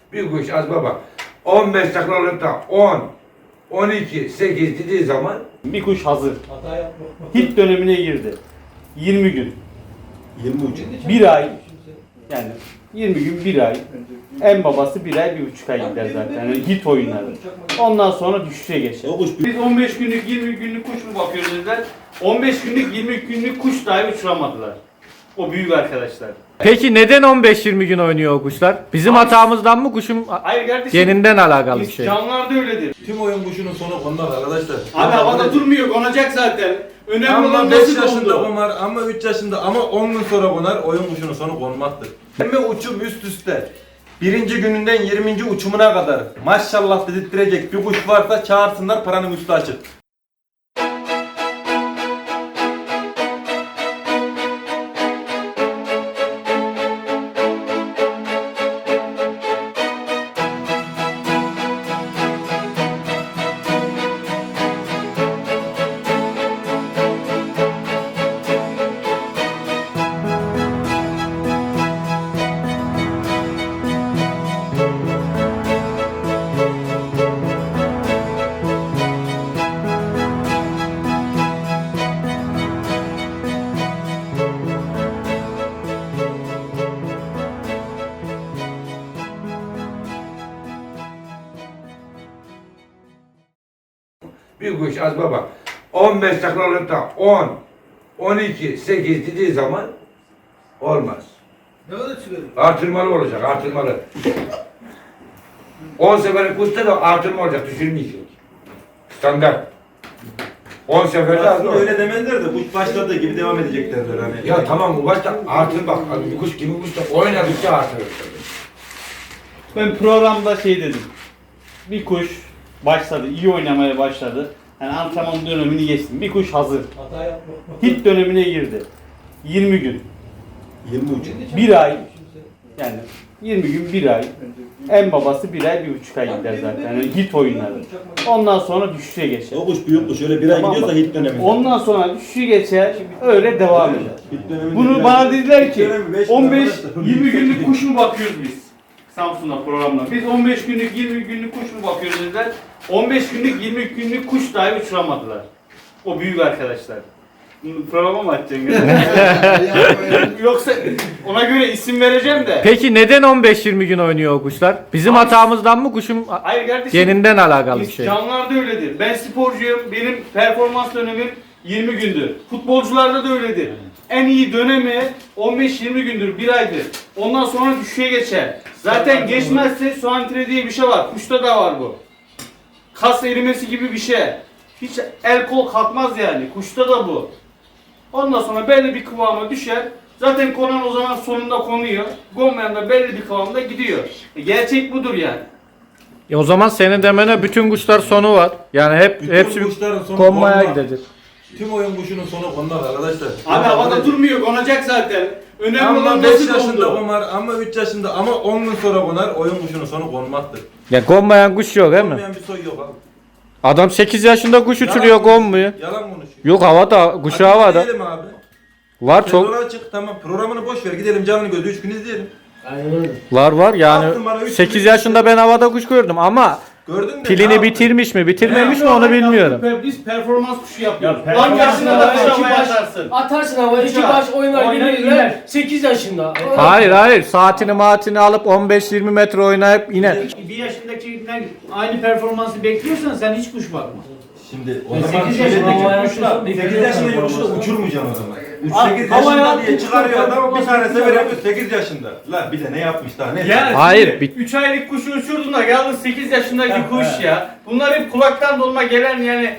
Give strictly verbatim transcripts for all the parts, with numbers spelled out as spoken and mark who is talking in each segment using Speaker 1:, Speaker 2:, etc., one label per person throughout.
Speaker 1: Bir kuş az baba. on beş taklalıkta on, on iki, sekiz dediği zaman
Speaker 2: Bir kuş hazır. Hit dönemine girdi. yirmi gün.
Speaker 3: yirmi üç.
Speaker 2: Bir ay. Yani yirmi gün, bir ay. En babası bir ay, bir buçuk ay gider zaten. Yani hit oyunları. Ondan sonra düşüşe geçer.
Speaker 3: O kuş
Speaker 2: Biz on beş günlük, yirmi günlük kuş mu bakıyoruz dediler. on beş günlük, yirmi günlük kuş dahi uçuramadılar. O büyük arkadaşlar.
Speaker 4: Peki neden on beş yirmi gün oynuyor o kuşlar? Bizim hatamızdan mı, kuşun
Speaker 2: Hayır kardeşim.
Speaker 4: geninden alakalı bir
Speaker 2: Biz
Speaker 4: şey?
Speaker 2: canlılarda öyledir.
Speaker 3: tüm oyun kuşunun sonu konmaz arkadaşlar.
Speaker 2: Abi havada durmuyor, konacak zaten. Önemli
Speaker 3: Ama
Speaker 2: olan
Speaker 3: beş
Speaker 2: nasıl
Speaker 3: yaşında
Speaker 2: kondu.
Speaker 3: konar ama üç yaşında ama on gün sonra konar, oyun kuşunun sonu konmaktır. yirmi uçum üst üste. Birinci gününden yirminci uçumuna kadar maşallah dedirttirecek bir kuş varsa çağırsınlar, paranın üstü açık.
Speaker 1: bir kuş az baba. on beş taklalıkta on, on iki, sekiz dediği zaman olmaz.
Speaker 5: Ne kadar çıkarıyor?
Speaker 1: Artırmalı olacak, artırmalı. on seferlik kuşta da artırma olacak, düşürmeyecek. Standart. on seferde az
Speaker 3: Aslında
Speaker 1: olur.
Speaker 3: öyle demezler de kuş başladığı gibi devam edecekler hani.
Speaker 1: Ya tamam bu başta artır bak. Bir kuş gibi kuş da oynadıkça artırır.
Speaker 2: Ben programda şey dedim. Bir kuş başladı, iyi oynamaya başladı. Yani antrenman dönemini geçtim. Bir kuş hazır.
Speaker 5: Hata yapma.
Speaker 2: Hit dönemine girdi. yirmi gün.
Speaker 3: yirmi üç.
Speaker 2: Bir ay. Yani yirmi gün, bir ay. En babası bir ay, bir buçuk ay gider zaten. Yani hit oyunları. Ondan sonra düşüşe geçer.
Speaker 3: O kuş büyük kuş, öyle bir ay
Speaker 2: Tamam
Speaker 3: gidiyorsa
Speaker 2: mı?
Speaker 3: hit dönemi.
Speaker 2: Ondan sonra düşüşe geçer, öyle devam eder.
Speaker 3: Hit döneminde
Speaker 2: Bunu
Speaker 3: biraz-
Speaker 2: bana dediler
Speaker 3: hit
Speaker 2: ki
Speaker 3: dönemi beş
Speaker 2: on beş
Speaker 3: arkadaşlar.
Speaker 2: yirmi günlük kuş mu bakıyoruz biz? Samsun'da programda. Biz on beş günlük, yirmi günlük kuş mu bakıyoruz dediler. on beş günlük, yirmi günlük kuş dahi uçuramadılar. O büyük arkadaşlar. Bunu programa mı açacaksın? Yoksa ona göre isim vereceğim de.
Speaker 4: Peki neden on beş yirmi gün oynuyor o kuşlar? Bizim
Speaker 2: Abi-
Speaker 4: hatamızdan mı, kuşun
Speaker 2: Hayır kardeşim.
Speaker 4: geninden alakalı bir
Speaker 2: Biz
Speaker 4: şey?
Speaker 2: canlılarda öyledir. Ben sporcuyum. Benim performans dönemim yirmi gündür. Futbolcularda da öyledir. En iyi dönemi on beş yirmi gündür, bir aydır. Ondan sonra düşüşe geçer. Zaten geçmezse su antre diye bir şey var. Kuşta da var bu. Kas erimesi gibi bir şey. Hiç el kol kalkmaz yani. Kuşta da bu. Ondan sonra belli bir kıvama düşer. Zaten konan o zaman sonunda konuyor. Konmayan da belli bir kıvamda gidiyor. E, gerçek budur yani.
Speaker 4: E o zaman senin demene bütün kuşlar sonu var. Yani hep
Speaker 3: Bütün
Speaker 4: hepsi
Speaker 3: kuşların sonu
Speaker 4: konmaya
Speaker 3: konmaz.
Speaker 4: gidecek.
Speaker 3: Tüm oyun kuşunun sonu konmaz arkadaşlar.
Speaker 2: Abi havada durmuyor, konacak zaten. Önemli
Speaker 3: Ama
Speaker 2: olan
Speaker 3: beş
Speaker 2: nasıl
Speaker 3: yaşında
Speaker 2: kondu.
Speaker 3: konar ama üç yaşında ama on gün sonra konar, oyun kuşunun sonu konmaktır.
Speaker 4: Ya konmayan kuş yok değil mi?
Speaker 3: Olmayan bir soy yok abi.
Speaker 4: Adam sekiz yaşında kuş uçuruyor,
Speaker 3: Yalan
Speaker 4: konmuyor.
Speaker 3: Yalan konuşuyor.
Speaker 4: Yok havada, kuşu havada.
Speaker 3: Gidelim abi.
Speaker 4: Var çok.
Speaker 3: Sezona çık, tamam, programını boş ver, gidelim canlı gözü üç gün izleyelim.
Speaker 5: Aynen öyle.
Speaker 4: Var var yani
Speaker 3: Baktım bana üç
Speaker 4: sekiz
Speaker 3: gün-
Speaker 4: yaşında ben havada kuş gördüm ama
Speaker 3: Gördün mü? Ne
Speaker 4: pilini
Speaker 3: yaptın?
Speaker 4: bitirmiş mi bitirmemiş mi
Speaker 2: Önemli
Speaker 4: onu
Speaker 2: olan
Speaker 4: bilmiyorum.
Speaker 2: yaptık, Biz performans kuşu yapıyoruz.
Speaker 6: Ya
Speaker 2: Lan
Speaker 6: performans
Speaker 2: yaşında da
Speaker 6: havaya
Speaker 2: kuş
Speaker 6: iki
Speaker 2: havaya
Speaker 6: baş-
Speaker 2: atarsın.
Speaker 5: Atarsın havaya iki
Speaker 2: Uçar.
Speaker 5: baş oynar
Speaker 6: Oynar,
Speaker 5: gibi
Speaker 6: iner.
Speaker 5: sekiz yaşında.
Speaker 4: Hayır hayır saatini maatini alıp on beş yirmi metre oynayıp iner.
Speaker 6: Bir yaşındakinden aynı performansı bekliyorsan sen hiç kuş bakma.
Speaker 3: Şimdi o
Speaker 6: Ben
Speaker 3: zaman
Speaker 6: sekiz
Speaker 3: şöyle
Speaker 6: yaşında
Speaker 3: diyeceğim.
Speaker 6: kuşla
Speaker 3: sekiz yaşında kuşla uçurmayacaksın o zaman.
Speaker 6: Aa,
Speaker 3: sekiz
Speaker 6: havaya
Speaker 3: yaşında diye
Speaker 6: attın,
Speaker 3: çıkarıyor adam, bir
Speaker 6: performans
Speaker 3: tane sefer
Speaker 6: yapıyor.
Speaker 3: yapıyor sekiz yaşında. La bir de ne yapmış daha ne?
Speaker 2: Yani
Speaker 4: Hayır, bir-
Speaker 2: üç aylık kuşu uçurdun da geldin sekiz yaşındaki kuş ya. Bunlar hep kulaktan dolma gelen yani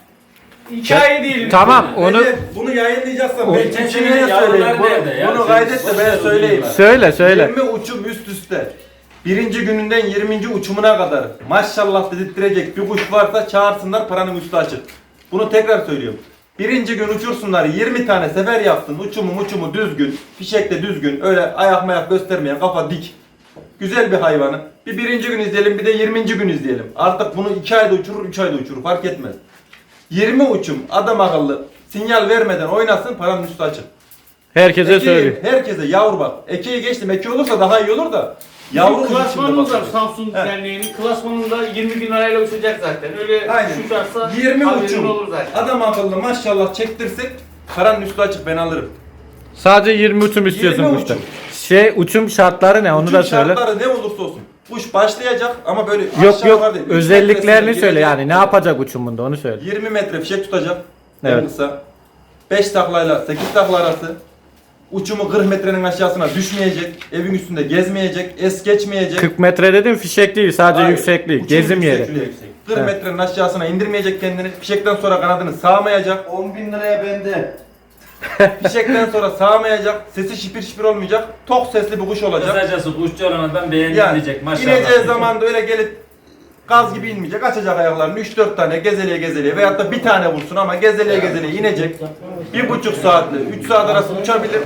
Speaker 2: hikaye değil.
Speaker 4: Tamam onu
Speaker 3: Recep, bunu yayınlayacaksan
Speaker 4: O-
Speaker 3: ben çeçeğine söyleyeyim. Bunu, bunu kaydet de ben söyleyeyim.
Speaker 4: söyle söyle.
Speaker 3: yirmi uçum üst üste. Birinci gününden yirminci uçumuna kadar maşallah dedirttirecek bir kuş varsa çağırsınlar, paranın üstü açık. Bunu tekrar söylüyorum. Birinci gün uçursunlar, yirmi tane sefer yapsın, uçumu uçumu düzgün, fişek de düzgün, öyle ayak mayak göstermeyen, kafa dik. Güzel bir hayvanı. Bir birinci gün izleyelim, bir de yirminci gün izleyelim. Artık bunu iki ayda uçurur, üç ayda uçurur, fark etmez. yirmi uçum adam akıllı sinyal vermeden oynasın, paranın üstü açık.
Speaker 4: Herkese
Speaker 3: Ekeği-
Speaker 4: söyleyeyim.
Speaker 3: Herkese yavru bak. Ekeği geçtim. Eke olursa daha iyi olur da. Yavru
Speaker 2: Bizim
Speaker 3: kuş içinde
Speaker 2: klasmanımız var
Speaker 3: bakıyor.
Speaker 2: Samsun
Speaker 3: Evet.
Speaker 2: Derneği'nin. Klasmanında yirmi bin lirayla uçacak zaten. Öyle
Speaker 3: Aynen.
Speaker 2: uçarsa
Speaker 3: yirmi
Speaker 2: haberin
Speaker 3: uçum.
Speaker 2: olur zaten.
Speaker 3: Adam akıllı maşallah çektirsek paranın üstü açık ben alırım.
Speaker 4: Sadece yirmi uçum istiyorsun
Speaker 3: yirmi
Speaker 4: kuşta.
Speaker 3: uçum.
Speaker 4: Şey uçum şartları ne onu
Speaker 3: Uçum
Speaker 4: da söyle.
Speaker 3: şartları ne olursa olsun. Kuş başlayacak ama böyle
Speaker 4: Yok
Speaker 3: aşağı
Speaker 4: yok
Speaker 3: yukarı değil. Üç
Speaker 4: özelliklerini
Speaker 3: metresine
Speaker 4: söyle
Speaker 3: girecek.
Speaker 4: yani ne yapacak uçumunda onu söyle.
Speaker 3: yirmi metre fişek tutacak.
Speaker 4: Evet.
Speaker 3: En kısa. beş taklayla sekiz takla arası. Uçumu kırk metrenin aşağısına düşmeyecek. Evin üstünde gezmeyecek. Es geçmeyecek.
Speaker 4: kırk metre dedim fişek değil sadece
Speaker 3: Hayır.
Speaker 4: yüksekliği
Speaker 3: Uçum
Speaker 4: gezim yeri.
Speaker 3: yüksekliği. kırk
Speaker 4: Evet.
Speaker 3: metrenin aşağısına indirmeyecek kendini. Fişekten sonra kanadını sağmayacak.
Speaker 7: on bin liraya bende.
Speaker 3: Fişekten sonra sağmayacak. Sesi şipir şipir olmayacak. Tok sesli bir kuş olacak.
Speaker 8: Kısacası kuşçu olan ben beğendim
Speaker 3: Yani
Speaker 8: diyecek maşallah.
Speaker 3: ineceği zaman da öyle gelip gaz gibi inmeyecek. Açacak ayaklarını üç dört tane gezeliye gezeliye veyahut da bir tane vursun ama gezeliye gezeliye inecek. Bir buçuk saatle üç saat arası uçabilir.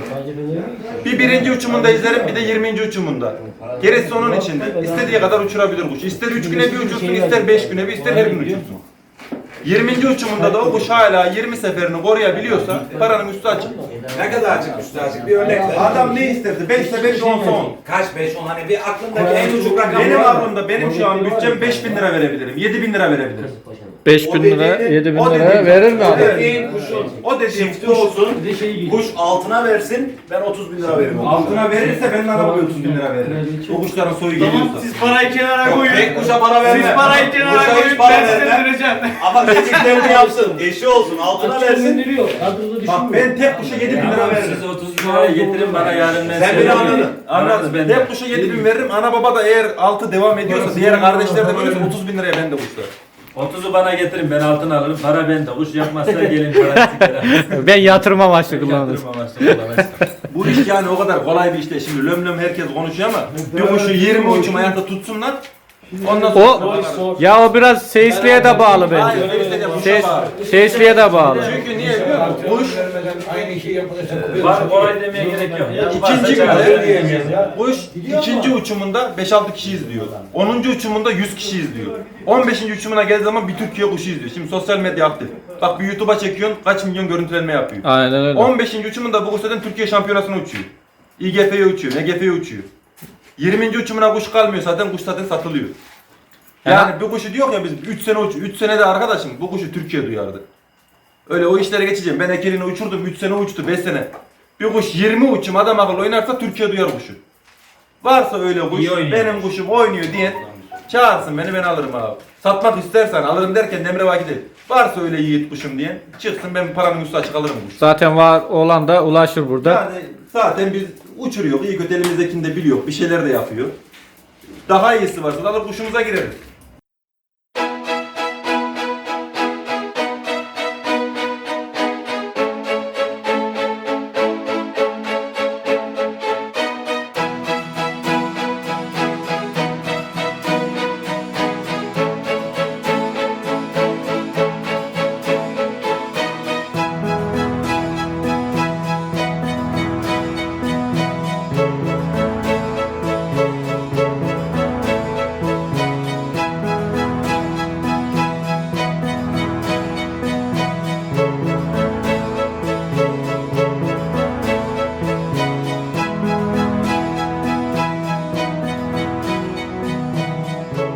Speaker 3: Bir birinci uçumunda izlerim bir de yirminci uçumunda. Gerisi onun içinde. İstediği kadar uçurabilir kuş. İster üç güne bir uçursun, ister beş güne bir, ister her gün uçursun. yirminci uçumunda da o kuş hala yirmi seferini koruyabiliyorsa paranın üstü açık.
Speaker 9: Ne kadar açık üstü açık bir örnek ver.
Speaker 3: Adam ne isterdi? beş ise beş, on on.
Speaker 9: Kaç beş on hani bir aklındaki en ucuk rakam
Speaker 3: Benim
Speaker 9: var mı?
Speaker 3: aklımda benim şu an bütçem beş bin lira verebilirim. yedi bin lira verebilirim.
Speaker 4: beş bin lira
Speaker 3: dediğini-
Speaker 4: yedi bin
Speaker 3: o
Speaker 4: lira
Speaker 3: dediğini-
Speaker 4: verir mi
Speaker 3: o
Speaker 4: adam?
Speaker 3: dediğin
Speaker 9: kuşun
Speaker 3: O dediğim
Speaker 9: çifti
Speaker 3: kuş
Speaker 9: olsun.
Speaker 6: Bir de şey geliyor.
Speaker 9: Kuş altına versin ben otuz bin lira veririm.
Speaker 3: altına verirse ben araba otuz bin lira veririm. O kuşların soyu
Speaker 2: Tamam
Speaker 3: geliyorsa.
Speaker 2: siz parayı kenara koyun.
Speaker 9: Tek kuşa para verme.
Speaker 2: Siz parayı kenara
Speaker 9: Kuşa
Speaker 2: koyun
Speaker 9: hiç para
Speaker 2: ben size
Speaker 9: verme.
Speaker 2: vereceğim.
Speaker 9: Ama dediklerini yapsın. Eşi olsun altına versin.
Speaker 6: Gönderiyor. Kadroda
Speaker 3: Bak
Speaker 6: düşünmüyor.
Speaker 3: ben tek kuşa yedi bin lira
Speaker 8: Tamam,
Speaker 3: veririm.
Speaker 8: siz otuz bin liraya getirin bana yarın ben
Speaker 9: Sen
Speaker 8: size
Speaker 9: beni
Speaker 8: veririm.
Speaker 9: anladın.
Speaker 3: Anladım.
Speaker 8: Ben
Speaker 3: Tek kuşa yedi bin veririm. Ana baba da eğer altı devam ediyorsa diğer kardeşler de böyle otuz bin liraya ben de kuşlar.
Speaker 8: otuzu bana getirin ben altın alırım. Para bende. Kuş yapmazsa gelin para sikere.
Speaker 4: Ben yatırım amaçlı kullanırım.
Speaker 8: Yatırım amaçlı kullanırsın.
Speaker 3: Bu iş yani o kadar kolay bir iş değil. Şimdi löm löm herkes konuşuyor ama bir kuşu yirmi uçum ayakta tutsunlar. Ondan sonra
Speaker 4: O ya o biraz seyisliğe de bağlı
Speaker 3: Hayır,
Speaker 4: bence.
Speaker 3: öyle işte kuşa
Speaker 4: Ses,
Speaker 3: bağlı.
Speaker 4: seyisliğe de bağlı.
Speaker 3: Çünkü niye biliyor musun? Kuş
Speaker 1: Aynı şey yapılırsa
Speaker 8: Var kolay demeye gerek yok.
Speaker 3: İkinci
Speaker 8: Varsa
Speaker 3: günde
Speaker 8: çağır.
Speaker 3: kuş ikinci uçumunda beş altı kişi izliyor. onuncu uçumunda yüz kişi izliyor. on beşinci uçumuna geldiği zaman bir Türkiye kuşu izliyor. Şimdi sosyal medya aktif. Bak bir YouTube'a çekiyorsun kaç milyon görüntülenme yapıyor.
Speaker 4: Aynen öyle.
Speaker 3: on beşinci uçumunda bu kuş zaten Türkiye şampiyonasına uçuyor. İ G F'ye uçuyor, N G F'ye uçuyor. yirminci uçumuna kuş kalmıyor zaten kuş zaten satılıyor. Yani bu kuşu diyor ya biz üç sene uç, üç senede arkadaşım bu kuşu Türkiye duyardı. Öyle o işlere geçeceğim. Ben ekelini uçurdum üç sene uçtu beş sene. Bir kuş yirmi uçum adam akıllı oynarsa Türkiye duyar kuşu. Varsa öyle kuş
Speaker 8: İyi oynuyor.
Speaker 3: benim kuşum oynuyor diye çağırsın beni ben alırım abi. Satmak istersen alırım derken Demre Vaki değil. Varsa öyle yiğit kuşum diye çıksın ben paranın üstü açık alırım kuş.
Speaker 4: Zaten var olan da ulaşır burada.
Speaker 3: Yani zaten biz uçuruyor iyi kötü elimizdekini de biliyor bir şeyler de yapıyor. Daha iyisi varsa da alır kuşumuza gireriz.